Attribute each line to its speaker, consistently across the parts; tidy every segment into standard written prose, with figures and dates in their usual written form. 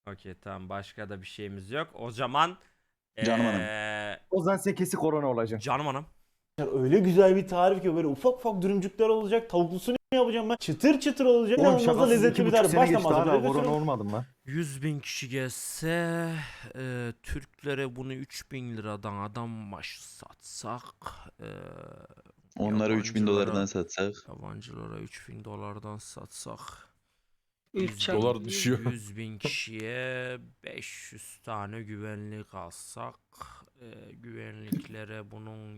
Speaker 1: Okey tamam, başka da bir şeyimiz yok. O zaman
Speaker 2: Canım hanım.
Speaker 3: O zaman sen kesin korona olacaksın.
Speaker 1: Canım hanım.
Speaker 4: Öyle güzel bir tarif ki böyle ufak ufak dürümcükler olacak. Tavuklusunu yapacağım ben. Çıtır çıtır olacak.
Speaker 3: Oğlum
Speaker 4: İnanılmaz da
Speaker 3: şakasız
Speaker 4: lezzetli bir
Speaker 3: 2,5
Speaker 4: tarif.
Speaker 3: sene
Speaker 4: Baştan
Speaker 3: geçti hala
Speaker 4: malzemeleri
Speaker 3: korona
Speaker 4: götürüyorum.
Speaker 3: olmadım lan.
Speaker 1: 100.000 kişi gelse Türklere bunu 3.000 liradan adam başı satsak
Speaker 2: Onlara 3000
Speaker 1: yabancılara-
Speaker 2: dolardan satsak.
Speaker 1: Yabancılara 3.000 dolardan satsak
Speaker 5: 3
Speaker 6: Dolar düşüyor.
Speaker 1: 100.000 kişiye 500 tane güvenlik alsak güvenliklere bunun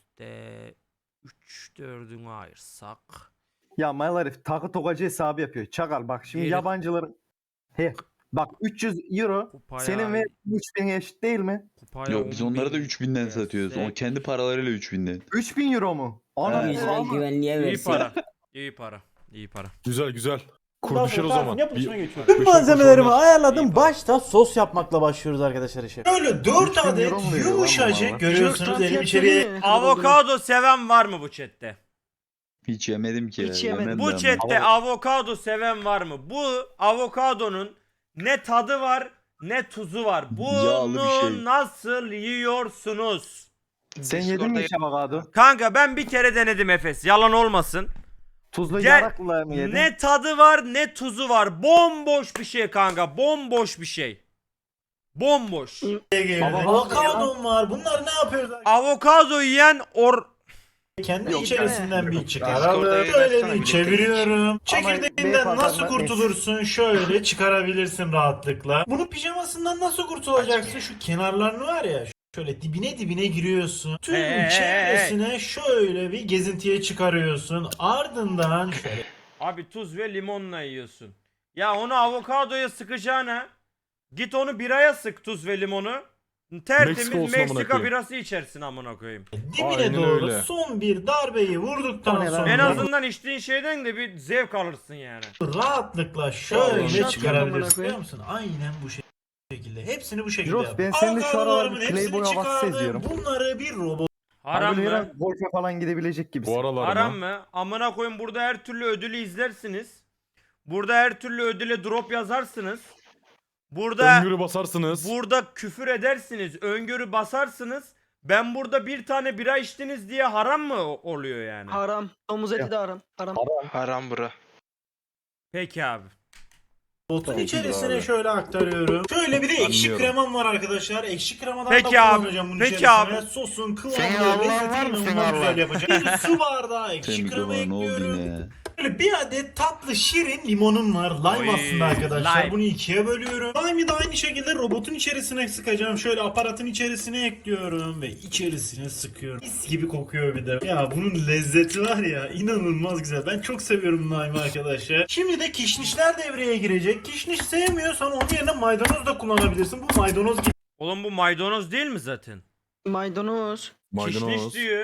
Speaker 1: %3-4'ünü ayırsak
Speaker 3: Ya mal herif takı tokacı hesabı yapıyor. Çakal bak şimdi
Speaker 1: Geri-
Speaker 3: yabancıların bak 300 euro
Speaker 1: kupaya,
Speaker 3: senin ve 3000 eşit değil mi?
Speaker 1: kupaya
Speaker 2: Yok biz onlara da
Speaker 1: 10.000
Speaker 2: 3000'den satıyoruz. O
Speaker 1: versek-
Speaker 2: kendi paralarıyla 3000'den.
Speaker 3: 3000 euro mu? Ana
Speaker 2: Evet.
Speaker 5: Güzel güvenliğe
Speaker 1: İyi
Speaker 5: versin.
Speaker 1: para. İyi para. İyi para.
Speaker 6: Güzel güzel.
Speaker 4: Bundan
Speaker 6: Kur düşer o
Speaker 4: sonra
Speaker 6: zaman.
Speaker 4: tarifin yapılışına geçiyoruz.
Speaker 6: beş
Speaker 4: Tüm
Speaker 6: on
Speaker 4: malzemelerimi
Speaker 6: kuruş
Speaker 4: ayarladım.
Speaker 1: İyi
Speaker 4: Başta sos yapmakla başlıyoruz arkadaşlar işe.
Speaker 7: Böyle 4
Speaker 3: 3000
Speaker 7: adet
Speaker 3: euro mu veriyor lan bu
Speaker 7: yumuşacık
Speaker 3: mala?
Speaker 7: görüyorsunuz elim içeriye.
Speaker 1: Avokado seven var mı bu chatte?
Speaker 2: Hiç yemedim ki.
Speaker 5: Hiç
Speaker 2: ya,
Speaker 5: yemedim.
Speaker 2: yemem
Speaker 1: Bu
Speaker 2: de ama.
Speaker 1: chatte avokado seven var mı? Bu avokadonun ne tadı var ne tuzu var.
Speaker 2: Yağlı bir
Speaker 1: Bunu
Speaker 2: şey.
Speaker 1: nasıl yiyorsunuz?
Speaker 3: Sen yedin mi hiç avokado?
Speaker 1: Kanka ben bir kere denedim Efes. Yalan olmasın.
Speaker 3: Tuzlu
Speaker 1: Gel-
Speaker 3: yarakla mı yedin?
Speaker 1: Ne tadı var ne tuzu var. Bomboş bir şey kanka. Bomboş bir şey. Bomboş.
Speaker 7: Avokadom var. Bunlar ne yapıyoruz?
Speaker 1: Avokado yiyen
Speaker 7: Kendi
Speaker 3: Yok,
Speaker 7: içerisinden bir
Speaker 8: Discord'da
Speaker 7: çıkaralım.
Speaker 8: yayın
Speaker 7: Şöyle
Speaker 8: açsana,
Speaker 7: bir
Speaker 8: birlikte
Speaker 7: çeviriyorum. Çekirdeğinden
Speaker 3: Ama
Speaker 7: nasıl
Speaker 3: beyefendi-
Speaker 7: kurtulursun? Şöyle çıkarabilirsin rahatlıkla. Bunu pijamasından nasıl kurtulacaksın? Şu kenarlarını var ya. Şöyle dibine giriyorsun. Tüm çevresine şöyle bir gezintiye çıkarıyorsun. Ardından şöyle
Speaker 1: Abi tuz ve limonla yiyorsun. Ya onu avokadoya sıkacağına git onu biraya sık, tuz ve limonu. Tertemiz
Speaker 6: Meksika olsun amına
Speaker 1: Meksika
Speaker 6: koyayım.
Speaker 1: birası içersin amına koyayım.
Speaker 7: dibine
Speaker 6: Aynen
Speaker 7: doğru
Speaker 6: öyle.
Speaker 7: son bir darbeyi
Speaker 3: O
Speaker 7: vurduktan
Speaker 3: ne lan?
Speaker 7: sonra
Speaker 1: En azından içtiğin şeyden de bir zevk alırsın yani.
Speaker 7: rahatlıkla şöyle
Speaker 5: Şat
Speaker 7: çıkarabilirsin.
Speaker 5: amına
Speaker 7: Biliyor
Speaker 5: koyayım.
Speaker 7: musun? Aynen bu şekilde. Hepsini bu şekilde
Speaker 3: Jirox,
Speaker 7: yap.
Speaker 3: ben sende şu aralar
Speaker 7: Avokadolarımın
Speaker 3: bir
Speaker 7: hepsini
Speaker 3: Playboy havası
Speaker 7: çıkardım.
Speaker 3: seziyorum.
Speaker 7: Bunları bir robot
Speaker 1: Haram
Speaker 3: Böyle
Speaker 1: mı?
Speaker 3: yere golfe falan gidebilecek gibisin.
Speaker 6: Bu aralar
Speaker 1: Haram
Speaker 6: mı?
Speaker 1: mı? Amına koyun, burada her türlü ödülü izlersiniz. Burada her türlü ödüle drop yazarsınız. Burada
Speaker 6: Öngörü basarsınız.
Speaker 1: burada küfür edersiniz, öngörü basarsınız. Ben burada bir tane bira içtiniz diye haram mı oluyor yani?
Speaker 5: Haram. Domuz eti de haram. Haram.
Speaker 8: Haram bura.
Speaker 1: Peki abi.
Speaker 7: Robotun
Speaker 2: Tabii
Speaker 7: içerisine
Speaker 2: abi.
Speaker 7: şöyle aktarıyorum. Şöyle bir de ekşi
Speaker 6: Anlıyorum.
Speaker 7: kremam var arkadaşlar. Ekşi kremadan
Speaker 1: Peki
Speaker 7: da
Speaker 1: abi,
Speaker 7: kullanacağım bunun
Speaker 1: peki
Speaker 7: içerisine.
Speaker 1: abi.
Speaker 7: Sosun
Speaker 8: Senin
Speaker 7: kıvamını
Speaker 8: Allah'ın
Speaker 7: lezzetini
Speaker 8: var mı senin
Speaker 7: inanılmaz güzel
Speaker 8: Allah'ın?
Speaker 7: yapacağım. Bir su bardağı ekşi
Speaker 2: Semih
Speaker 7: krema
Speaker 2: baba ne oldu
Speaker 7: ekliyorum.
Speaker 2: yine?
Speaker 7: Böyle bir adet tatlı şirin limonum var. Lime
Speaker 1: Oy,
Speaker 7: aslında arkadaşlar.
Speaker 1: lime.
Speaker 7: Bunu ikiye bölüyorum. Lime'ı da aynı şekilde robotun içerisine sıkacağım. Şöyle aparatın içerisine ekliyorum ve içerisine sıkıyorum. Mis gibi kokuyor bir de. Ya bunun lezzeti var ya, inanılmaz güzel. Ben çok seviyorum lime'ı arkadaşlar. Şimdi de kişnişler devreye girecek. Kişniş sevmiyorsan onun yerine maydanoz da kullanabilirsin. Bu maydanoz
Speaker 1: Oğlum bu maydanoz değil mi zaten?
Speaker 5: Maydanoz.
Speaker 1: Kişniş
Speaker 6: Maydanoz.
Speaker 1: diyor.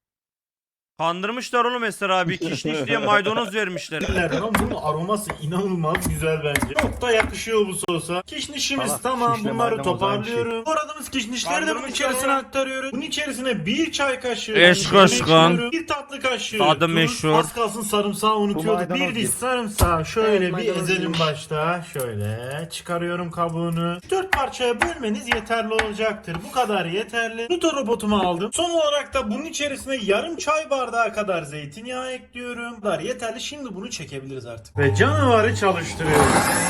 Speaker 1: Kandırmışlar oğlum Eser abi. Kişniş diye maydanoz vermişler.
Speaker 7: gibilerden ama bunun aroması inanılmaz güzel bence. Çok da yakışıyor bu sosa. Kişnişimiz
Speaker 3: Salak,
Speaker 7: tamam,
Speaker 3: kişnişle
Speaker 7: bunları
Speaker 3: maydanoz aynı
Speaker 7: toparlıyorum. Doğradığımız kişnişleri de bunun
Speaker 1: Kandırmışlar
Speaker 7: içerisine
Speaker 1: ya.
Speaker 7: aktarıyoruz. Bunun içerisine bir çay kaşığı
Speaker 1: Eşk
Speaker 7: yemek
Speaker 1: aşkın.
Speaker 7: ekliyorum. Bir tatlı kaşığı
Speaker 1: Tadı
Speaker 7: tuz.
Speaker 1: meşhur.
Speaker 7: Az kalsın sarımsağı unutuyorduk.
Speaker 3: maydanoz
Speaker 7: Bir diş
Speaker 3: değil.
Speaker 7: sarımsağı şöyle
Speaker 5: Evet,
Speaker 7: bir
Speaker 5: maydanoz
Speaker 7: ezelim
Speaker 5: değilmiş.
Speaker 7: başta. Şöyle çıkarıyorum kabuğunu. 4 parçaya bölmeniz yeterli olacaktır. Bu kadar yeterli. Nuto robotumu aldım. Son olarak da bunun içerisine yarım çay bardağı kadar zeytinyağı ekliyorum. Bu kadar yeterli. Şimdi bunu çekebiliriz artık. Ve canavarı çalıştırıyoruz.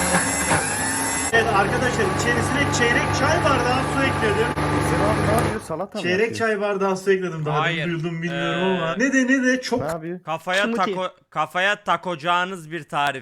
Speaker 7: Evet arkadaşlar, içerisine çeyrek çay bardağı su ekledim.
Speaker 3: Sen abi ne yapıyor? Salata mı
Speaker 7: Çeyrek
Speaker 3: yapıyor?
Speaker 7: çay bardağı su ekledim. Daha
Speaker 1: Hayır.
Speaker 7: dün duydum bilmiyorum
Speaker 1: Ee,
Speaker 7: ama. Ne de çok
Speaker 3: Ne yapıyor?
Speaker 1: Kafaya takacağınız bir tarif.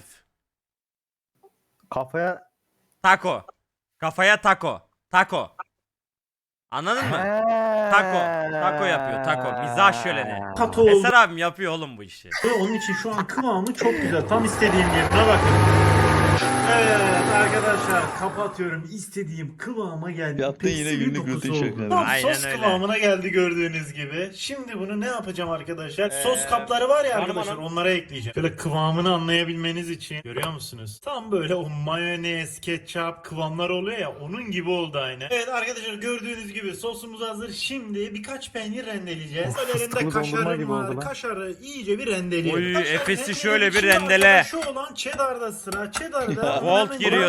Speaker 3: Kafaya...
Speaker 1: Taco. Kafaya taco. Taco. Anladın mı? Taco yapıyor, taco. Mizah şöleni.
Speaker 7: katı oldu.
Speaker 1: Eser abim yapıyor oğlum bu işi.
Speaker 7: Ve onun için şu an kıvamı çok güzel. Tam istediğim gibi. Buna bakın. Evet arkadaşlar, kapatıyorum. İstediğim kıvama geldi.
Speaker 2: Yaptın yine
Speaker 7: İpeksi bir
Speaker 2: günlük
Speaker 7: dokusu
Speaker 2: rutin
Speaker 7: oldu.
Speaker 2: şakalar.
Speaker 7: Tam
Speaker 1: Aynen
Speaker 7: sos
Speaker 1: öyle.
Speaker 7: kıvamına geldi gördüğünüz gibi. Şimdi bunu ne yapacağım arkadaşlar? Sos
Speaker 1: Ee,
Speaker 7: kapları var ya
Speaker 1: canım
Speaker 7: arkadaşlar,
Speaker 1: hanım.
Speaker 7: onlara ekleyeceğim. Böyle kıvamını anlayabilmeniz için. Görüyor musunuz? Tam böyle o mayonez, ketçap kıvamlar oluyor ya, onun gibi oldu aynı. Evet arkadaşlar, gördüğünüz gibi sosumuz hazır. Şimdi birkaç peynir rendeleyeceğiz.
Speaker 3: Of,
Speaker 7: Böyle elinde
Speaker 3: fıstıklı dondurma
Speaker 7: kaşarım
Speaker 3: gibi
Speaker 7: var.
Speaker 3: oldu lan.
Speaker 7: Kaşarı iyice bir rendeleyelim.
Speaker 1: Oy,
Speaker 7: Kaşarı
Speaker 1: Efes'i
Speaker 7: rendeleyelim.
Speaker 1: şöyle bir
Speaker 7: Şimdi
Speaker 1: rendele.
Speaker 7: arkadaşlar, şu olan cheddar'da sıra. Cheddar'da
Speaker 1: Volt giriyor devreye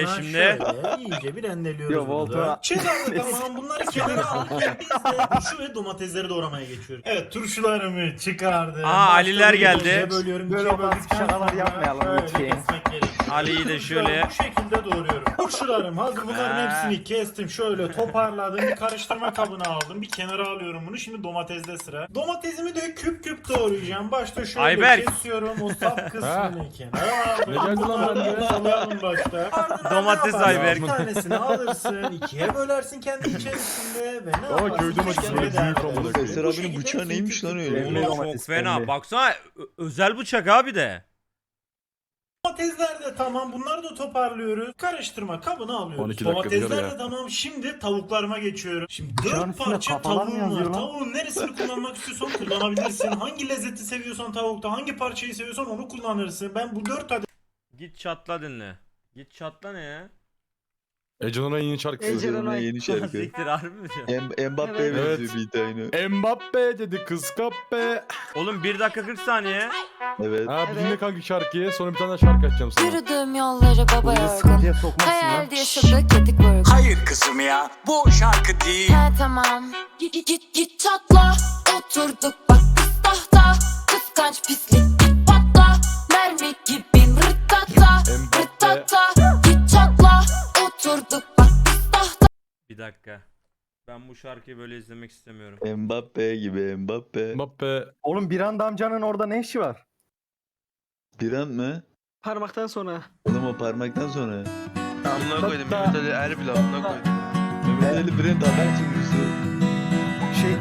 Speaker 7: Sonra
Speaker 1: şimdi.
Speaker 7: Şöyle iyice bir rendeliyoruz
Speaker 3: Yo,
Speaker 7: burada.
Speaker 3: Volta-
Speaker 7: Çedarlı tamam, bunları kenara aldık. Biz de turşu ve domatesleri doğramaya geçiyoruz. Evet, turşularımı çıkardım.
Speaker 1: Aliler
Speaker 7: Başta
Speaker 1: geldi.
Speaker 7: ikiye bölüyorum.
Speaker 3: Böyle
Speaker 7: İkiye
Speaker 3: olmaz,
Speaker 7: böldükten
Speaker 3: şakalar
Speaker 7: sonra
Speaker 3: yapmayalım
Speaker 7: şöyle
Speaker 3: lütfen.
Speaker 7: kesmek gerekiyor.
Speaker 1: Ali'yi de
Speaker 7: Turşuları
Speaker 1: şöyle.
Speaker 7: Bu şekilde doğruyorum. Turşularım hazır, bunların hepsini kestim. Şöyle toparladım. Bir karıştırma kabına aldım. Bir kenara alıyorum bunu. Şimdi domatesde sıra. Domatesimi de küp küp doğrayacağım. Başta şöyle
Speaker 1: Ayberk.
Speaker 7: kesiyorum. O sap kısmını kenara aldım.
Speaker 4: Ne geldi lan
Speaker 7: Bunları
Speaker 4: bende?
Speaker 7: salayalım başta. Ardından
Speaker 1: Domates
Speaker 7: ne yaparsın?
Speaker 1: Ayberk.
Speaker 7: Bir tanesini alırsın. İkiye bölersin kendi içerisinde. Ve ne
Speaker 4: Ama
Speaker 7: yaparsın?
Speaker 4: köy domatesi
Speaker 7: Kendi
Speaker 4: böyle büyük
Speaker 7: değerli.
Speaker 4: amına
Speaker 7: Bu
Speaker 4: koyayım.
Speaker 2: Eser abinin
Speaker 7: şekilde
Speaker 2: bıçağı
Speaker 7: hepsini
Speaker 2: neymiş
Speaker 7: küp
Speaker 2: lan
Speaker 7: küp
Speaker 2: öyle?
Speaker 1: Oğlum
Speaker 7: doğruyorum.
Speaker 1: çok
Speaker 3: domates
Speaker 1: fena.
Speaker 3: pembe.
Speaker 1: Baksana özel bıçak abi de.
Speaker 7: Domatesler de tamam. Bunları da toparlıyoruz. Karıştırma kabına alıyoruz.
Speaker 4: 12 dakika
Speaker 7: Domatesler
Speaker 4: biber
Speaker 7: de
Speaker 4: ya.
Speaker 7: tamam. Şimdi tavuklarıma geçiyorum. Şimdi
Speaker 3: Bıçağın
Speaker 7: 4
Speaker 3: üstünde
Speaker 7: parça
Speaker 3: kafalar mı
Speaker 7: tavuğum var.
Speaker 3: yazıyor lan?
Speaker 7: Tavuğun neresini kullanmak istiyorsan kullanabilirsin. Hangi lezzeti seviyorsan tavukta, hangi parçayı seviyorsan onu kullanırsın. Ben bu 4 adet
Speaker 1: Git çatla dinle. Git çatla ne ya?
Speaker 4: Ece Onay'ın yeni şarkısı.
Speaker 5: Ece Onay.
Speaker 2: Yeni şarkı.
Speaker 1: Siktir harbi mi diyor?
Speaker 2: Mbappe'ye
Speaker 5: Evet.
Speaker 2: benziyor bir tane.
Speaker 4: Mbappe dedi kız kappe.
Speaker 1: Oğlum 1 dakika 40 saniye.
Speaker 2: Evet.
Speaker 4: Ha bir
Speaker 5: Evet.
Speaker 4: dinle kanka şarkıyı, sonra bir tane daha şarkı açacağım sana.
Speaker 6: Yürüdüğüm yolları baba
Speaker 3: Buraya
Speaker 6: yorgun.
Speaker 3: sıkıntıya sokmazsın lan.
Speaker 6: Hayalde yaşadık yedik vurgun.
Speaker 8: Hayır kızım ya, bu şarkı değil.
Speaker 6: He tamam. Git çatla. Oturduk bak kız tahta. Kıskanç pislik git patla. Mermi gibiyim rıttata.
Speaker 4: Mbappe.
Speaker 6: Rıttata. Git çatla. Oturduk bak kız tahta.
Speaker 1: Bir dakika. Ben bu şarkıyı böyle izlemek istemiyorum.
Speaker 2: Mbappe gibi Mbappe.
Speaker 4: Mbappe.
Speaker 3: Oğlum bir anda amcanın orada ne işi var?
Speaker 2: Bir an mı?
Speaker 5: Parmaktan sonra.
Speaker 2: Oğlum o parmaktan sonra.
Speaker 9: Amına koydum. Mehmet Ali Erbil amına koydum.
Speaker 2: Mehmet Ali Brent haber sunucusu.
Speaker 3: Şey...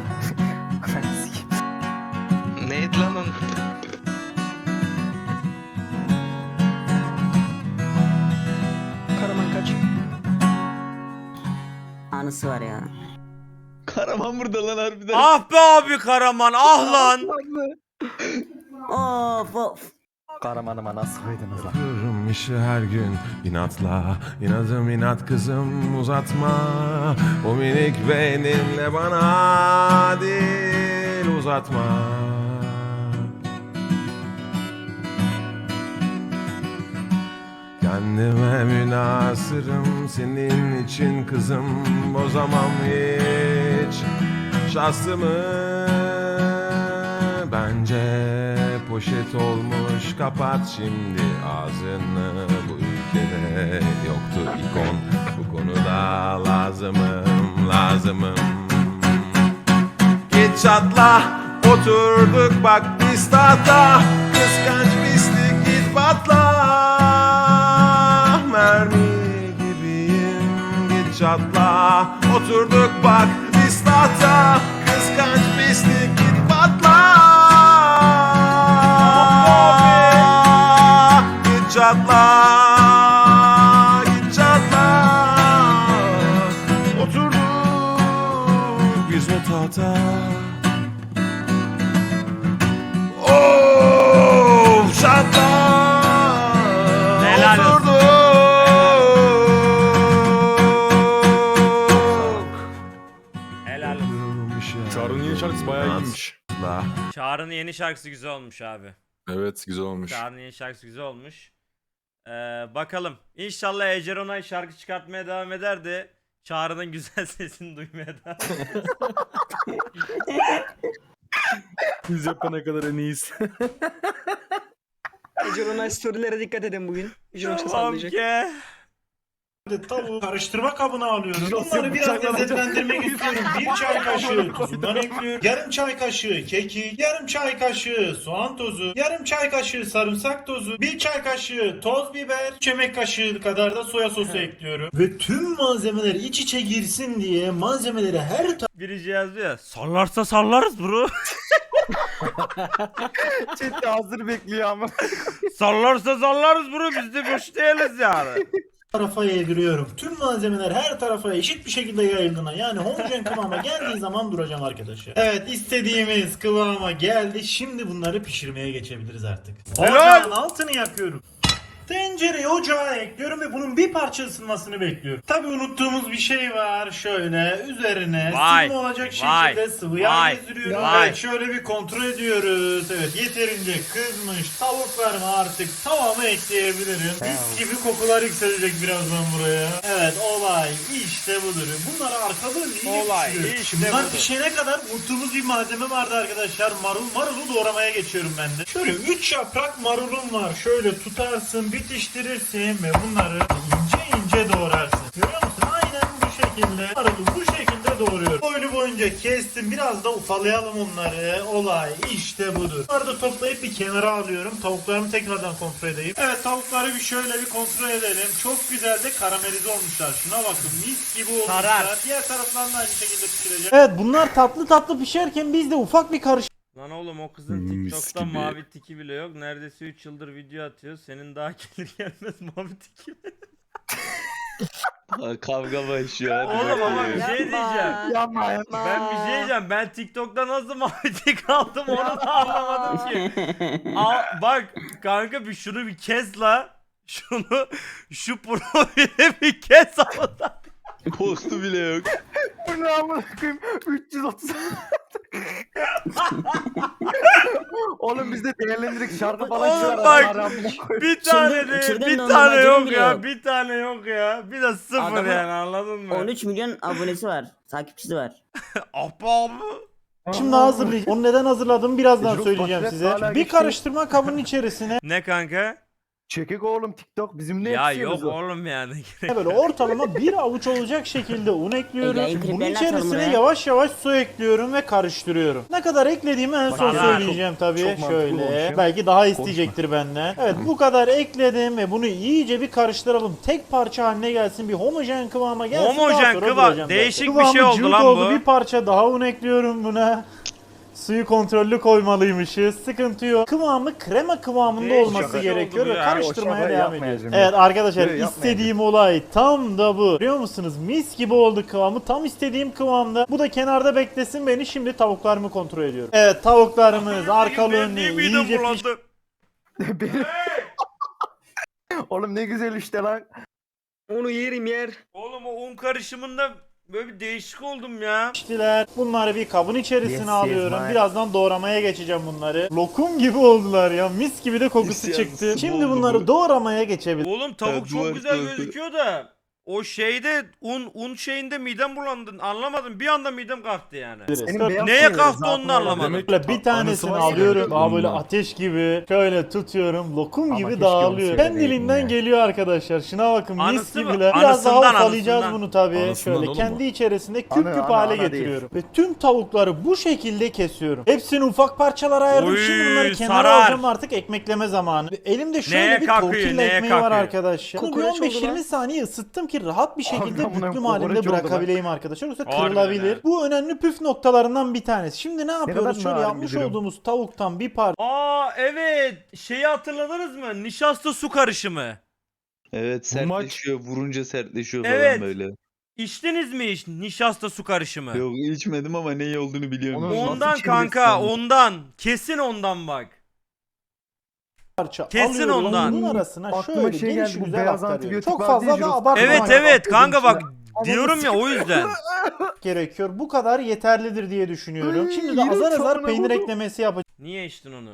Speaker 9: Neydi lan onun?
Speaker 5: Karaman kaç.
Speaker 10: Anısı var ya.
Speaker 2: Karaman burada lan harbiden.
Speaker 1: Ah be abi Karaman ah lan.
Speaker 10: Of of.
Speaker 3: Karamanıma nasıl koydunuz lan?
Speaker 11: Yapıyorum işi her gün inatla. İnadım inat kızım uzatma. O minik beyninle bana dil uzatma. Kendime münasırım senin için kızım. Bozamam hiç şahsımı. Bence poşet olmuş, kapat şimdi ağzını. Bu ülkede yoktu ikon, bu konuda lazımım. Git çatla, oturduk bak biz tahta. Kıskanç pislik git patla. Mermi gibiyim, git çatla. Oturduk bak biz tahta. Kıskanç pislik git patla. Git çatla. Git çatla. Oturduk biz o tahta. Oh çatla.
Speaker 1: Helal olsun.
Speaker 11: Oturduk.
Speaker 1: Helal olsun.
Speaker 4: Çağrı'nın yeni şarkısı bayağı iyiymiş.
Speaker 1: Çağrı'nın yeni şarkısı güzel olmuş abi.
Speaker 4: Evet güzel olmuş.
Speaker 1: Çağrı'nın yeni şarkısı güzel olmuş. Bakalım. İnşallah Ece Onay şarkı çıkartmaya devam eder de Çağrı'nın güzel sesini duymaya devam eder.
Speaker 4: Biz yapana kadar en iyisi.
Speaker 5: Eceronay storylere dikkat edin bugün. Yoksa
Speaker 1: Tamam
Speaker 5: sallayacak.
Speaker 1: ki.
Speaker 7: tavuğu karıştırma kabına alıyorum.
Speaker 3: Nasıl
Speaker 7: Bunları biraz
Speaker 3: bıçaklanacak?
Speaker 7: lezzetlendirmek istiyorum. 1 çay kaşığı tuzundan ekliyorum. Yarım çay kaşığı kekik, yarım çay kaşığı soğan tozu, yarım çay kaşığı sarımsak tozu, 1 çay kaşığı toz biber, 3 yemek kaşığı kadar da soya sosu ekliyorum. Ve tüm malzemeler iç içe girsin diye malzemeleri her
Speaker 1: Biri yazıyor ya. Sallarsa sallarız bro.
Speaker 3: Chatte hazır bekliyor ama.
Speaker 1: Sallarsa sallarız bro. Biz de boş değiliz yani.
Speaker 7: tarafa yediriyorum. Tüm malzemeler her tarafa eşit bir şekilde yayıldığına, yani homojen kıvama geldiği zaman duracağım arkadaşlar. Evet, istediğimiz kıvama geldi. Şimdi bunları pişirmeye geçebiliriz artık.
Speaker 1: Helal!
Speaker 7: Ocağın altını yakıyorum. Tencereyi ocağa ekliyorum ve bunun bir parça ısınmasını bekliyorum. Tabi unuttuğumuz bir şey var. Şöyle üzerine
Speaker 1: Vay,
Speaker 7: sıvı olacak
Speaker 1: vay,
Speaker 7: şekilde sıvı yağ
Speaker 1: vay,
Speaker 7: gezdiriyorum.
Speaker 1: vay.
Speaker 7: Evet, şöyle bir kontrol ediyoruz. Evet, yeterince kızmış. Tavuklarımı artık tavama ekleyebilirim. Mis gibi kokular yükselecek birazdan buraya. Evet, olay işte budur. Bunları arkadan iyice
Speaker 1: Olay
Speaker 7: pişiriyorum.
Speaker 1: işte
Speaker 7: Bunlar
Speaker 1: budur.
Speaker 7: pişene kadar unuttuğumuz bir malzeme vardı arkadaşlar. Marulu doğramaya geçiyorum ben de. Şöyle 3 yaprak marulum var. Şöyle tutarsın, bitiştirirsin ve bunları ince ince doğrarsın. Görüyor musun? Aynen bu şekilde. Marulu bu şekilde doğruyorum. Boylu boyunca kestim. Biraz da ufalayalım onları. Olay işte budur. Bunları da toplayıp bir kenara alıyorum. Tavuklarımı tekrardan kontrol edeyim. Evet, tavukları bir şöyle bir kontrol edelim. Çok güzel de karamelize olmuşlar. Şuna bakın, mis gibi olmuşlar.
Speaker 1: Sarar.
Speaker 7: Diğer taraflarını da aynı şekilde pişireceğim.
Speaker 4: Evet, bunlar tatlı tatlı pişerken biz de ufak bir
Speaker 1: Lan oğlum o kızın
Speaker 2: Mis
Speaker 1: TikTok'ta
Speaker 2: gibi.
Speaker 1: mavi tiki bile yok. Neredeyse 3 yıldır video atıyor. Senin daha gelir gelmez mavi tiki.
Speaker 2: Kavga başlıyor. Hadi
Speaker 1: Oğlum ama
Speaker 2: bakalım.
Speaker 1: bir şey diyeceğim.
Speaker 3: Yapma yapma.
Speaker 1: Ben bir şey diyeceğim. Ben TikTok'ta nasıl mavi tik aldım onu da anlamadım ki. Bak kanka şunu bir kes la. Şu profili bir kes ama.
Speaker 2: Postu bile yok.
Speaker 3: Bu ne amına koyayım? 330. Oğlum biz de değerlendirdik şarkı falan
Speaker 1: Oğlum
Speaker 3: çıkar.
Speaker 1: bak,
Speaker 3: adam amına koyayım.
Speaker 1: Bir tane değil,
Speaker 10: içeriden
Speaker 1: bir
Speaker 10: de
Speaker 1: tane
Speaker 10: anlamadığım
Speaker 1: yok
Speaker 10: bile
Speaker 1: ya,
Speaker 10: yok.
Speaker 1: bir tane yok ya. Bir de sıfır
Speaker 10: Adamın
Speaker 1: yani anladın mı?
Speaker 10: 13 milyon abonesi var. Takipçisi var.
Speaker 1: Apa.
Speaker 4: Şimdi hazırlayacağım. Onu neden hazırladığımı birazdan
Speaker 3: Çocuk
Speaker 4: söyleyeceğim
Speaker 3: portret
Speaker 4: size.
Speaker 3: hala
Speaker 4: Bir
Speaker 3: geçti.
Speaker 4: karıştırma kabının içerisine
Speaker 1: Ne kanka?
Speaker 3: Çekik oğlum TikTok bizimle
Speaker 1: Ya
Speaker 3: yetişiyoruz
Speaker 1: yok
Speaker 3: o.
Speaker 1: oğlum yani.
Speaker 4: böyle ortalama bir avuç olacak şekilde un ekliyorum.
Speaker 10: Yayın
Speaker 4: Bunun
Speaker 10: kliplerini açalım
Speaker 4: içerisine
Speaker 10: buraya.
Speaker 4: yavaş yavaş su ekliyorum ve karıştırıyorum. Ne kadar eklediğimi en son
Speaker 1: Bak,
Speaker 4: söyleyeceğim tabii.
Speaker 3: çok mantıklı olmuş
Speaker 4: Şöyle.
Speaker 3: ya.
Speaker 4: Belki daha isteyecektir benden. Evet, bu kadar ekledim ve bunu iyice bir karıştıralım. Tek parça haline gelsin, bir homojen kıvama gelsin.
Speaker 1: Homojen
Speaker 4: daha sonra
Speaker 1: kıvam.
Speaker 4: duracağım
Speaker 1: Değişik
Speaker 4: zaten.
Speaker 1: bir şey
Speaker 4: Kıvamı
Speaker 1: oldu
Speaker 4: cıvık
Speaker 1: lan
Speaker 4: oldu.
Speaker 1: bu.
Speaker 4: Bir parça daha un ekliyorum buna. Suyu kontrollü koymalıymışız. Sıkıntı yok. Kıvamı krema kıvamında
Speaker 1: Değişik
Speaker 4: olması
Speaker 1: bir şey
Speaker 4: gerekiyor
Speaker 1: oldu bu
Speaker 4: ve
Speaker 1: ya.
Speaker 4: karıştırmaya
Speaker 3: O şakayı
Speaker 4: devam
Speaker 3: yapmayacağım
Speaker 4: ediyoruz. Evet arkadaşlar,
Speaker 3: Yok,
Speaker 4: istediğim olay tam da bu. Biliyor musunuz? Mis gibi oldu kıvamı. Tam istediğim kıvamda. Bu da kenarda beklesin beni. Şimdi tavuklarımı kontrol ediyorum. Evet, tavuklarımız arkalı önlü
Speaker 1: Benim midem
Speaker 4: iyice
Speaker 1: bulandı.
Speaker 3: Benim- Oğlum ne güzel işte lan.
Speaker 5: Onu yerim yer.
Speaker 1: Oğlum o un karışımında böyle bir değişik oldum ya.
Speaker 4: piştiler. Bunları bir kabın içerisine
Speaker 3: Yes,
Speaker 4: alıyorum.
Speaker 3: yes,
Speaker 4: Birazdan doğramaya geçeceğim bunları. Lokum gibi oldular ya. Mis gibi de kokusu
Speaker 2: Yes,
Speaker 4: çıktı.
Speaker 2: yes,
Speaker 4: Şimdi
Speaker 2: oldu
Speaker 4: bunları
Speaker 2: bu.
Speaker 4: doğramaya geçebiliriz.
Speaker 1: Oğlum tavuk
Speaker 2: Evet,
Speaker 1: çok
Speaker 2: duvar
Speaker 1: güzel
Speaker 2: kağıdı.
Speaker 1: gözüküyor da o şeyde un şeyinde midem bulandı. Anlamadım. Bir anda midem kalktı yani.
Speaker 3: Senin beyaz
Speaker 1: Neye
Speaker 3: şeyleri
Speaker 1: kalktı
Speaker 3: zaten
Speaker 1: onu da anlamadım.
Speaker 3: demek-
Speaker 4: Böyle bir tanesini alıyorum. Daha böyle ateş gibi. Şöyle tutuyorum. Lokum
Speaker 3: Ama
Speaker 4: gibi
Speaker 3: keşke
Speaker 4: dağılıyor.
Speaker 3: onu
Speaker 4: Kendiliğinden
Speaker 3: söyleyeydin ya.
Speaker 4: geliyor arkadaşlar. Şuna bakın, mis
Speaker 1: Anısı mı?
Speaker 4: gibiler. Biraz daha
Speaker 1: Anısından,
Speaker 4: ufalayacağız
Speaker 1: anısından.
Speaker 4: bunu tabii.
Speaker 3: Anısından
Speaker 4: Şöyle
Speaker 3: oğlum
Speaker 4: kendi
Speaker 3: bu.
Speaker 4: içerisinde küp
Speaker 3: Ana,
Speaker 4: küp
Speaker 3: ana,
Speaker 4: hale
Speaker 3: ana değil.
Speaker 4: getiriyorum. Ve tüm tavukları bu şekilde kesiyorum. Hepsini ufak parçalara ayırdım.
Speaker 1: Oy,
Speaker 4: Şimdi bunları kenara
Speaker 1: sarar.
Speaker 4: alacağım, artık ekmekleme zamanı. Ve elimde şöyle
Speaker 1: Neye
Speaker 4: bir
Speaker 1: kakıyor,
Speaker 4: tortilla
Speaker 1: neye
Speaker 4: ekmeği var
Speaker 1: kakıyor?
Speaker 4: arkadaşlar. Bunu bir
Speaker 5: Kokoreç oldu
Speaker 4: 15-20
Speaker 5: lan.
Speaker 4: saniye ısıttım ki rahat bir şekilde
Speaker 3: Harbiden buna
Speaker 4: büklüm
Speaker 3: kokoreç
Speaker 4: halinde
Speaker 3: oldu lan.
Speaker 4: bırakabileyim arkadaşlar. Yoksa
Speaker 1: Harbiden
Speaker 4: kırılabilir.
Speaker 1: ha.
Speaker 4: Bu önemli püf noktalarından bir tanesi. Şimdi ne yapıyoruz?
Speaker 3: kadar
Speaker 4: Şöyle
Speaker 3: narin
Speaker 4: yapmış
Speaker 3: bir durum.
Speaker 4: olduğumuz tavuktan bir parça
Speaker 1: Aa evet. Şeyi hatırladınız mı? Nişasta su karışımı.
Speaker 2: Evet, sertleşiyor. Vurunca sertleşiyor
Speaker 1: Evet.
Speaker 2: falan böyle.
Speaker 1: İçtiniz mi hiç nişasta su karışımı?
Speaker 2: Yok, içmedim ama ne olduğunu biliyorum.
Speaker 3: Onu-
Speaker 1: Ondan
Speaker 3: Nasıl
Speaker 1: kanka,
Speaker 3: içeceksin?
Speaker 1: ondan. Kesin ondan bak.
Speaker 4: parça
Speaker 1: Kesin
Speaker 4: alıyorum.
Speaker 1: ondan.
Speaker 4: Bunun arasına
Speaker 3: Aklıma
Speaker 4: şöyle
Speaker 3: şey
Speaker 4: geniş
Speaker 3: geldi, bu
Speaker 4: güzel
Speaker 3: beyaz
Speaker 4: aktarıyorum.
Speaker 3: antibiyotik
Speaker 4: Çok
Speaker 3: vardı
Speaker 4: fazla
Speaker 3: ya,
Speaker 4: da
Speaker 3: Jirox.
Speaker 4: abartmamak
Speaker 1: Evet evet kanka bak
Speaker 3: Ama
Speaker 1: diyorum ya o yüzden.
Speaker 4: gerekiyor. Bu kadar yeterlidir diye düşünüyorum.
Speaker 3: Ay,
Speaker 4: Şimdi de
Speaker 3: yine
Speaker 4: azar azar
Speaker 3: çorba
Speaker 4: peynir
Speaker 3: oldu.
Speaker 4: eklemesi yapacağım.
Speaker 1: Niye içtin onu?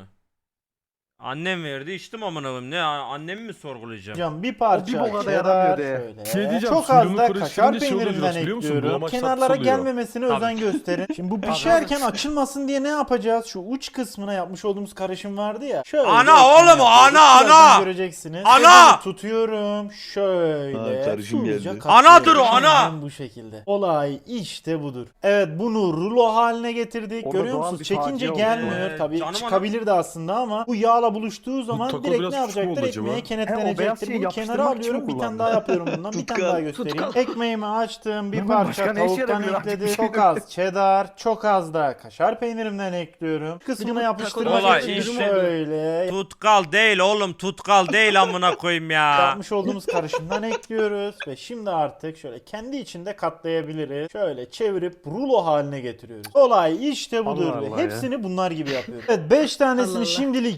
Speaker 1: Annem verdi içtim amına koyayım. Ne annemi mi sorgulayacağım?
Speaker 4: Bir parça
Speaker 3: O bir boka da
Speaker 4: cheddar,
Speaker 3: yaramıyor de.
Speaker 4: şöyle.
Speaker 12: Şey diyeceğim,
Speaker 4: Çok az
Speaker 12: suyunu
Speaker 4: da
Speaker 12: karıştırınca
Speaker 4: kaşar
Speaker 12: şey oluyor
Speaker 4: peynirinden
Speaker 12: biliyor musun?
Speaker 4: ekliyorum.
Speaker 12: Bulamaç
Speaker 4: Kenarlara
Speaker 12: tatlısı oluyor.
Speaker 4: gelmemesine
Speaker 1: Tabii.
Speaker 4: özen gösterin. Şimdi bu pişerken açılmasın diye ne yapacağız? Şu uç kısmına yapmış olduğumuz karışım vardı ya. Şöyle
Speaker 1: Ana
Speaker 4: ekmeği
Speaker 1: oğlum,
Speaker 4: yapıyoruz.
Speaker 1: ana,
Speaker 4: Birazdan
Speaker 1: ana!
Speaker 4: göreceksiniz.
Speaker 1: Ana!
Speaker 4: Elimi tutuyorum. Şöyle.
Speaker 2: Ha, karışım
Speaker 4: hızlıca
Speaker 2: geldi.
Speaker 4: katlıyorum.
Speaker 1: Anadır o, ana!
Speaker 4: Aynen bu şekilde. Olay işte budur. Evet, bunu rulo haline getirdik.
Speaker 3: Orada
Speaker 4: Görüyor
Speaker 3: doğal
Speaker 4: musunuz?
Speaker 3: bir
Speaker 4: Çekince
Speaker 3: facia oldu.
Speaker 4: gelmiyor. Tabii
Speaker 1: Canım
Speaker 4: çıkabilirdi aslında ama bu yağla buluştuğu zaman
Speaker 12: taco
Speaker 4: direkt
Speaker 12: biraz
Speaker 4: ne
Speaker 12: küçük mü
Speaker 4: yapacaktır?
Speaker 12: oldu acaba?
Speaker 4: Ekmeğe
Speaker 3: He, o beyaz
Speaker 4: kenetlenecektir.
Speaker 3: şeyi
Speaker 4: Bunu kenara
Speaker 3: yapıştırmak için mi
Speaker 4: alıyorum. Bir tane
Speaker 3: kullandın?
Speaker 4: daha yapıyorum bundan. Bir tane daha göstereyim. Ekmeğimi açtım. Bir
Speaker 3: Hemen
Speaker 4: parça
Speaker 3: başka ne işe
Speaker 4: tavuktan
Speaker 3: yarıyor artık bir
Speaker 4: ekledim.
Speaker 3: şey
Speaker 4: Çok
Speaker 3: yok.
Speaker 4: az cheddar, çok az da kaşar peynirimden ekliyorum. Kısmına
Speaker 5: bu
Speaker 4: yapıştırmak
Speaker 1: Olay
Speaker 4: için
Speaker 1: işte.
Speaker 4: şöyle
Speaker 1: Tutkal değil oğlum, tutkal değil amına koyayım ya.
Speaker 4: yapmış olduğumuz karışımdan ekliyoruz ve şimdi artık şöyle kendi içinde katlayabiliriz. Şöyle çevirip rulo haline getiriyoruz. Olay işte budur.
Speaker 3: Allah
Speaker 4: ve
Speaker 3: Allah ya.
Speaker 4: hepsini bunlar gibi yapıyoruz. Evet, 5 tanesini
Speaker 5: Allah Allah.
Speaker 4: şimdilik yaptık.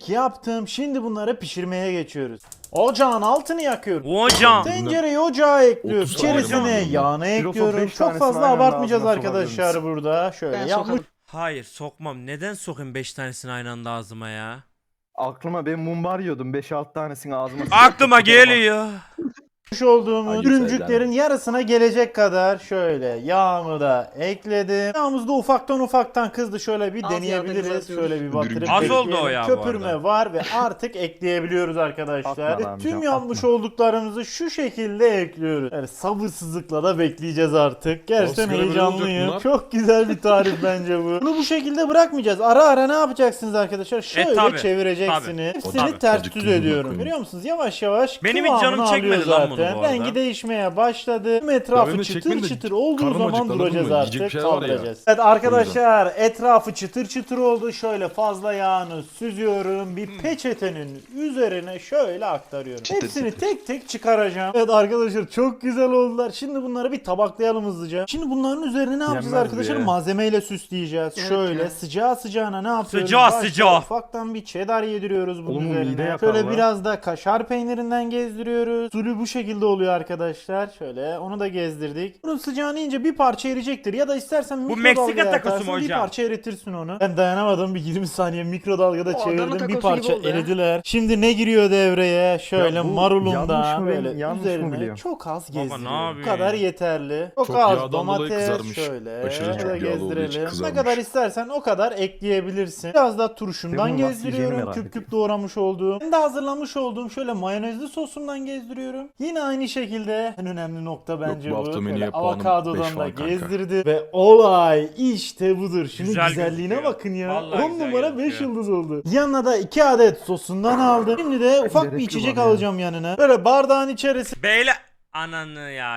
Speaker 4: yaptım. Şimdi bunları pişirmeye geçiyoruz. Ocağın altını yakıyorum.
Speaker 1: Hocam.
Speaker 4: Tencereyi ocağa ekliyorum.
Speaker 7: 30 saniye
Speaker 4: İçerisine
Speaker 7: var.
Speaker 4: yağını ekliyorum.
Speaker 3: 5
Speaker 4: Çok
Speaker 3: tanesini
Speaker 4: fazla
Speaker 3: aynı anda
Speaker 4: abartmayacağız
Speaker 3: ağzına
Speaker 4: arkadaşlar
Speaker 3: sokabiliriz.
Speaker 4: burada. Şöyle
Speaker 5: Ben
Speaker 4: yapmış.
Speaker 5: sokarım.
Speaker 1: Hayır sokmam. Neden sokayım 5 tanesini aynı anda ağzıma ya?
Speaker 3: Aklıma ben mumbar yiyordum. 5-6 tanesini ağzıma
Speaker 1: Aklıma geliyor.
Speaker 4: olduğumuz
Speaker 3: Hadi
Speaker 4: ürüncüklerin yarısına gelecek kadar şöyle yağımı da ekledim. Yağımız da ufaktan kızdı. Şöyle bir
Speaker 5: Az yağda
Speaker 4: deneyebiliriz.
Speaker 5: kızartıyoruz.
Speaker 4: Şöyle bir batırıp
Speaker 1: Az oldu
Speaker 4: bekleyelim.
Speaker 1: o ya bu
Speaker 4: Köpürme
Speaker 1: arada.
Speaker 4: var ve artık ekleyebiliyoruz arkadaşlar.
Speaker 3: Atma
Speaker 4: Ve
Speaker 3: amcam,
Speaker 4: tüm
Speaker 3: atma.
Speaker 4: yapmış olduklarımızı şu şekilde ekliyoruz. Yani sabırsızlıkla da bekleyeceğiz artık. Gerçekten
Speaker 7: Nasıl görev olacak
Speaker 4: heyecanlıyım.
Speaker 7: bunlar?
Speaker 4: Çok güzel bir tarif bence bu. Bunu bu şekilde bırakmayacağız. Ara ara ne yapacaksınız arkadaşlar? Şöyle
Speaker 1: tabii,
Speaker 4: çevireceksiniz.
Speaker 1: tabii.
Speaker 4: Hepsini
Speaker 1: Tabii.
Speaker 4: ters
Speaker 7: Azıcık
Speaker 4: düz
Speaker 7: tuzunu
Speaker 4: ediyorum.
Speaker 7: koyayım.
Speaker 4: Görüyor musunuz? Yavaş yavaş
Speaker 1: Benim hiç canım
Speaker 4: kıvamını
Speaker 1: çekmedi
Speaker 4: alıyor
Speaker 1: lan bunu
Speaker 4: zaten.
Speaker 1: bu arada.
Speaker 4: Rengi değişmeye başladı. Tüm
Speaker 7: Ya
Speaker 4: etrafı
Speaker 7: benim de
Speaker 4: çıtır
Speaker 7: çekmedi de
Speaker 4: çıtır olduğu
Speaker 7: karnım
Speaker 4: zaman
Speaker 7: acıktı, anladın
Speaker 4: duracağız
Speaker 7: mı?
Speaker 4: artık.
Speaker 7: Yiyecek bir şey var ya.
Speaker 4: Kaldıracağız. Evet arkadaşlar etrafı çıtır çıtır oldu. Şöyle fazla yağını süzüyorum. Bir peçetenin üzerine şöyle aktarıyorum.
Speaker 2: Çıtır
Speaker 4: Hepsini
Speaker 2: çıtır.
Speaker 4: tek tek çıkaracağım. Evet arkadaşlar çok güzel oldular. Şimdi bunları bir tabaklayalım hızlıca. Şimdi bunların üzerine ne yapacağız
Speaker 3: Yenmez
Speaker 4: arkadaşlar?
Speaker 3: bu ya.
Speaker 4: Malzemeyle süsleyeceğiz.
Speaker 5: Evet
Speaker 4: şöyle
Speaker 5: ya.
Speaker 4: sıcağı sıcağına ne yapıyoruz?
Speaker 1: Sıcağı
Speaker 4: Başta
Speaker 1: sıcağı.
Speaker 4: Ufaktan bir cheddar yediriyoruz bunun
Speaker 3: Oğlum, mide
Speaker 4: üzerine.
Speaker 3: yakar
Speaker 4: Şöyle
Speaker 3: lan.
Speaker 4: biraz da kaşar peynirinden gezdiriyoruz. Usulü bu şekilde oluyor arkadaşlar. Şöyle onu da gezdirdik. Bunun sıcağını yiyince bir parça eriyecektir. Ya da istersen
Speaker 1: Bu
Speaker 4: mikrodalgaya
Speaker 1: Meksika takosu
Speaker 4: atarsın,
Speaker 1: mu
Speaker 4: bir
Speaker 1: hocam?
Speaker 4: parça eritirsin onu. Ben dayanamadım bir 20 saniye mikrodalgada
Speaker 5: O Adana
Speaker 4: çevirdim. Bir
Speaker 5: takosu
Speaker 4: parça
Speaker 5: gibi oldu ya.
Speaker 4: eridiler. Şimdi ne giriyor devreye? Şöyle
Speaker 3: Ya bu
Speaker 4: marulundan
Speaker 3: yanlış mı ben-
Speaker 4: böyle
Speaker 3: yanlış mı
Speaker 4: üzerine
Speaker 3: biliyorum?
Speaker 4: çok az
Speaker 1: Baba ne
Speaker 4: gezdiriyorum. Bu
Speaker 1: yapıyorsun
Speaker 4: kadar
Speaker 1: ya?
Speaker 4: yeterli. Çok
Speaker 7: Çok
Speaker 4: az
Speaker 7: yağdan dolayı
Speaker 4: domates
Speaker 7: kızarmış.
Speaker 4: şöyle.
Speaker 7: Aşırı
Speaker 4: Şöyle
Speaker 7: çok yağlı olduğu için
Speaker 4: gezdirelim. Ne
Speaker 7: kızarmış.
Speaker 4: kadar istersen o kadar ekleyebilirsin. Biraz da turşumdan
Speaker 3: Ben bunu nasıl yiyeceğimi
Speaker 4: gezdiriyorum.
Speaker 3: merak
Speaker 4: Küp
Speaker 3: ediyorum.
Speaker 4: küp doğramış olduğum. Ben de hazırlamış olduğum şöyle mayonezli sosumdan gezdiriyorum. Yine aynı şekilde en önemli nokta bence
Speaker 7: bu
Speaker 4: bu.
Speaker 7: hafta
Speaker 4: Böyle
Speaker 7: menüye puanım 5
Speaker 4: avokadodan da
Speaker 7: falan kanka.
Speaker 4: gezdirdi. Ve olay işte budur. Şunun
Speaker 1: Güzel
Speaker 4: güzelliğine
Speaker 1: gözüküyor.
Speaker 4: bakın ya.
Speaker 1: Vallahi
Speaker 4: 10
Speaker 1: güzel
Speaker 4: numara 5
Speaker 1: gözüküyor.
Speaker 4: yıldız oldu. Yanına da 2 adet sosundan aldım. Şimdi de ufak bir
Speaker 3: Gerek
Speaker 4: içecek
Speaker 3: yok ya.
Speaker 4: alacağım yanına. Böyle bardağın içerisine
Speaker 1: Beyler. Ananı ya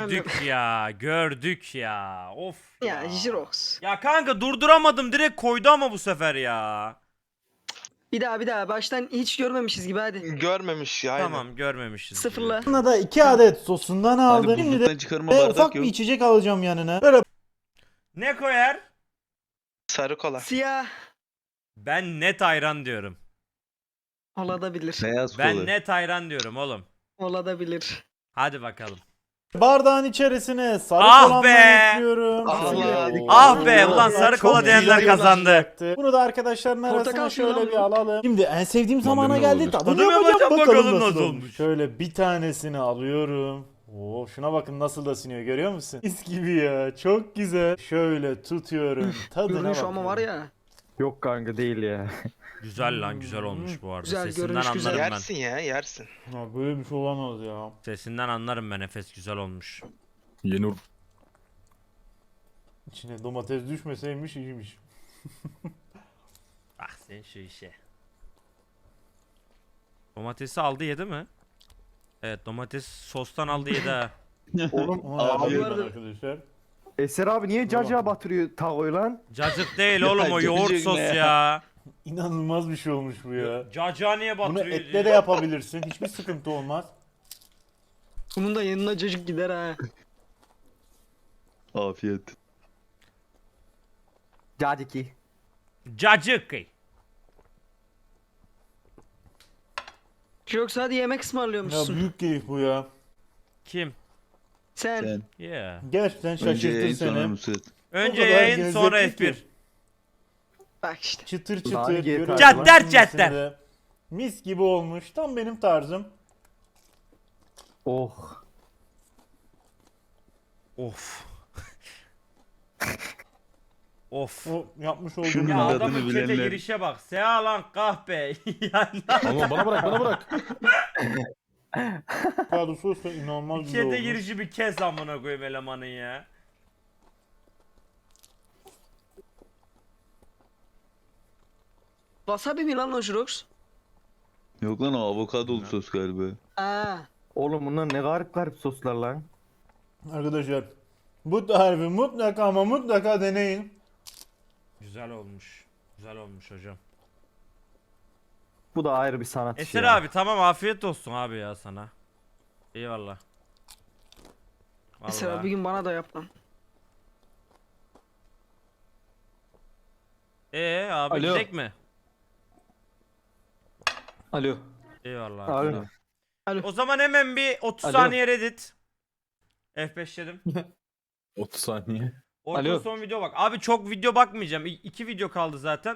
Speaker 1: gördük ya. Of
Speaker 5: Ya Jirox.
Speaker 1: Ya kanka durduramadım direkt koydu ama bu sefer ya.
Speaker 5: Bir daha baştan hiç görmemişiz gibi hadi.
Speaker 9: Görmemiş ya. aynen.
Speaker 1: Tamam görmemişiz.
Speaker 5: Sıfırla.
Speaker 4: yanına da 2 adet sosundan aldım.
Speaker 2: Hani
Speaker 4: Şimdi de
Speaker 2: buzluktan çıkarma
Speaker 4: ufak
Speaker 2: bardak
Speaker 4: bir
Speaker 2: yok.
Speaker 4: içecek alacağım yanına. Böyle
Speaker 1: Ne koyar?
Speaker 9: Sarı kola.
Speaker 5: Siyah.
Speaker 1: Ben net ayran diyorum.
Speaker 5: Olabilir.
Speaker 2: Beyaz
Speaker 1: Ben
Speaker 2: kola.
Speaker 1: net ayran diyorum oğlum.
Speaker 5: Olabilir.
Speaker 1: Hadi bakalım.
Speaker 4: bardağın içerisine sarı
Speaker 1: Ah
Speaker 4: kolamdan
Speaker 1: be!
Speaker 4: ekliyorum.
Speaker 9: Ah
Speaker 4: Şöyle-
Speaker 9: be!
Speaker 1: Ah be, ulan
Speaker 4: Çok
Speaker 1: sarı kola
Speaker 4: güzel
Speaker 1: diyenler kazandı.
Speaker 4: olacaktı. Bunu da arkadaşların arasına
Speaker 5: Portakal suyu
Speaker 4: şöyle
Speaker 5: lan
Speaker 4: bir
Speaker 5: bu.
Speaker 4: alalım. Şimdi en sevdiğim
Speaker 7: Lan
Speaker 4: zamana
Speaker 7: benim
Speaker 4: geldi.
Speaker 7: olabilir.
Speaker 4: Tadını
Speaker 1: Tadını
Speaker 4: yapacağım
Speaker 1: yapacağım,
Speaker 4: bakalım
Speaker 1: nasıl
Speaker 4: nasıl
Speaker 1: olmuş.
Speaker 4: olmuş. Şöyle bir tanesini alıyorum. Oo, şuna bakın nasıl da siniyor görüyor musun? Mis gibi ya. Çok güzel. Şöyle tutuyorum. Tadına
Speaker 5: Görünüş
Speaker 4: bakıyorum.
Speaker 5: ama var ya.
Speaker 3: Yok kanka değil ya.
Speaker 1: Güzel lan güzel olmuş bu arada.
Speaker 5: Güzel,
Speaker 1: Sesinden
Speaker 5: görünüş güzel.
Speaker 1: anlarım ben.
Speaker 9: Yersin ya yersin.
Speaker 4: Ya böyle bir şey olamaz ya.
Speaker 1: Sesinden anlarım ben Efes güzel olmuş.
Speaker 7: Yenur.
Speaker 4: İçine domates düşmeseymiş iyiymiş.
Speaker 1: Bak sen şu işe. Domatesi aldı yedi mi? Evet domates sostan aldı yedi ha.
Speaker 3: Oğlum
Speaker 4: Ona
Speaker 2: Abi-
Speaker 4: yapıyorum arkadaşlar.
Speaker 3: Eser abi niye cacığa batırıyor takoyu lan?
Speaker 1: Cacık değil oğlum o
Speaker 2: Ya,
Speaker 1: yoğurt
Speaker 2: cacık
Speaker 1: sos
Speaker 2: ne
Speaker 1: ya.
Speaker 2: ya?
Speaker 4: İnanılmaz bir şey olmuş bu ya.
Speaker 1: Cacığa niye
Speaker 4: Bunu
Speaker 1: batırıyor
Speaker 4: etle
Speaker 1: diyor.
Speaker 4: de yapabilirsin. Hiçbir sıkıntı olmaz.
Speaker 5: Bunun da yanına cacık gider ha.
Speaker 2: Afiyet.
Speaker 3: Caciki.
Speaker 1: Cacık.
Speaker 5: Jirox hadi yemek
Speaker 4: Ya
Speaker 5: ısmarlıyormuşsun.
Speaker 4: büyük keyif bu ya.
Speaker 1: Kim?
Speaker 5: Sen.
Speaker 2: Sen.
Speaker 1: Yeah.
Speaker 4: Gerçekten
Speaker 2: Önce
Speaker 4: şaşırtır
Speaker 2: yayın sonra
Speaker 4: seni.
Speaker 2: Nusret.
Speaker 1: Önce
Speaker 4: kadar
Speaker 1: yayın sonra
Speaker 4: lezzetli
Speaker 1: F1.
Speaker 4: ki.
Speaker 5: Bak işte.
Speaker 4: Çıtır
Speaker 3: Daha
Speaker 4: çıtır.
Speaker 3: iyi
Speaker 4: görüyorsun.
Speaker 1: Cadder
Speaker 4: Şimdi
Speaker 1: cadder.
Speaker 4: de Mis gibi olmuş. Tam benim tarzım.
Speaker 3: Oh.
Speaker 1: Of. Of.
Speaker 4: O yapmış olduğum
Speaker 2: Şunun
Speaker 1: Ya
Speaker 2: adını
Speaker 1: adamın çete
Speaker 2: bilenler.
Speaker 1: girişe bak. Sea lan kahpe. yani
Speaker 7: Ama bana bırak.
Speaker 4: avokado sos da inanılmaz güzel
Speaker 1: çete
Speaker 4: olmuş.
Speaker 1: girişi bir kes amına koyayım elemanın ya.
Speaker 5: Wasabi mi lan o Jirox?
Speaker 2: Yok lan o avokadolu sos galiba.
Speaker 5: Aa.
Speaker 3: Oğlum bunlar ne garip soslar lan.
Speaker 4: Arkadaşlar bu tarifi mutlaka ama mutlaka deneyin.
Speaker 1: Güzel olmuş. Güzel olmuş hocam.
Speaker 3: Bu da ayrı bir sanat işi
Speaker 1: Eser
Speaker 3: ya.
Speaker 1: abi tamam afiyet olsun abi ya sana. Eyvallah.
Speaker 5: Mesela bir
Speaker 1: Vallahi.
Speaker 5: gün bana da yap lan.
Speaker 1: Abi
Speaker 7: Alo.
Speaker 1: gidecek mi?
Speaker 3: Alo.
Speaker 1: Eyvallah.
Speaker 3: Alo.
Speaker 1: O zaman hemen bir 30
Speaker 3: Alo.
Speaker 1: saniye Reddit. F5'ledim.
Speaker 11: 30 saniye.
Speaker 1: Orkun
Speaker 3: Alo.
Speaker 1: son video bak. Abi çok video bakmayacağım. 2 video kaldı zaten.